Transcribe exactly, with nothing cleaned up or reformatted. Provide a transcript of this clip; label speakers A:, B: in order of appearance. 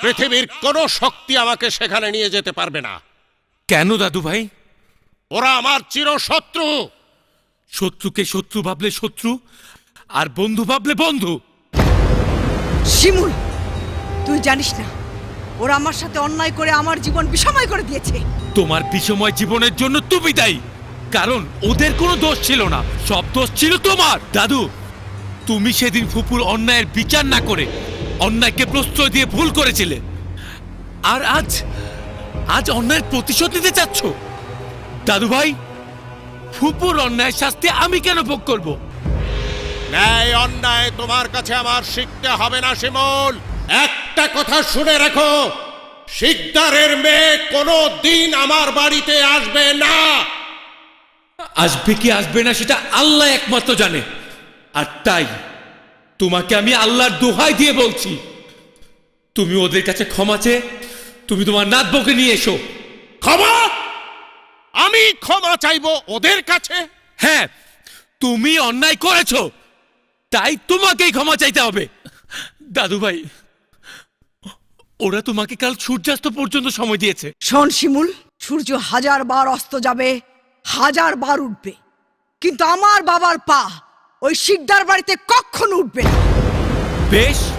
A: পৃথিবীর কোনো শক্তি আমাকে সেখানে নিয়ে যেতে পারবে না।
B: কেন দাদু ভাই?
A: ওরা আমার চিরশত্রু।
B: শত্রুকে শত্রু ভাবলে শত্রু, আর বন্ধু ভাবলে বন্ধু।
C: শিমুল, তুই জানিস না ওরা আমার সাথে অন্যায় করে আমার জীবন বিষময় করে দিয়েছে।
B: তোমার বিষময় জীবনের জন্য তুমি দায়ী, কারণ ওদের কোনো দোষ ছিল না, সব দোষ ছিল তোমার। দাদু, তুমি সেদিন ফুপুর অন্যায়ের বিচার না করে অন্যায়কে প্রশ্রয় দিয়ে ভুল করেছিলে, আর আজ আজ অন্যায়ের প্রতিশোধ নিতে চাচ্ছ। দাদু ভাই, ফুপুর অন্যায়ের শাস্তি আমি কেন ভোগ করব?
A: ন্যায় অন্যায় তোমার কাছে আমার শিখতে হবে না শিমুল। একটা কথা শুনে রাখো, শিকদারের মেয়ে কোনো দিন আমার বাড়িতে আসবে না।
B: আসবে কি আসবে না সেটা আল্লাহ একমাত্র জানে, আর তাই তোমাকে আমি আল্লাহর দোহাই দিয়ে বলছি, তুমি ওদের কাছে ক্ষমা চেয়ে তুমি তোমার নাত বউকে নিয়ে এসো।
A: ক্ষমা? আমি ক্ষমা চাইবো ওদের কাছে?
B: হ্যাঁ, তুমি অন্যায় করেছো, তাই তোমাকেই ক্ষমা চাইতে হবে। দাদু ভাই, ওরা তোমাকে কাল সূর্যাস্ত পর্যন্ত সময় দিয়েছে।
C: শোন শিমুল, সূর্য হাজার বার অস্ত যাবে, হাজার বার উঠবে, কিন্তু আমার বাবার পা ওই শিকদার বাড়িতে কখনো উঠবে না।
B: বেশ,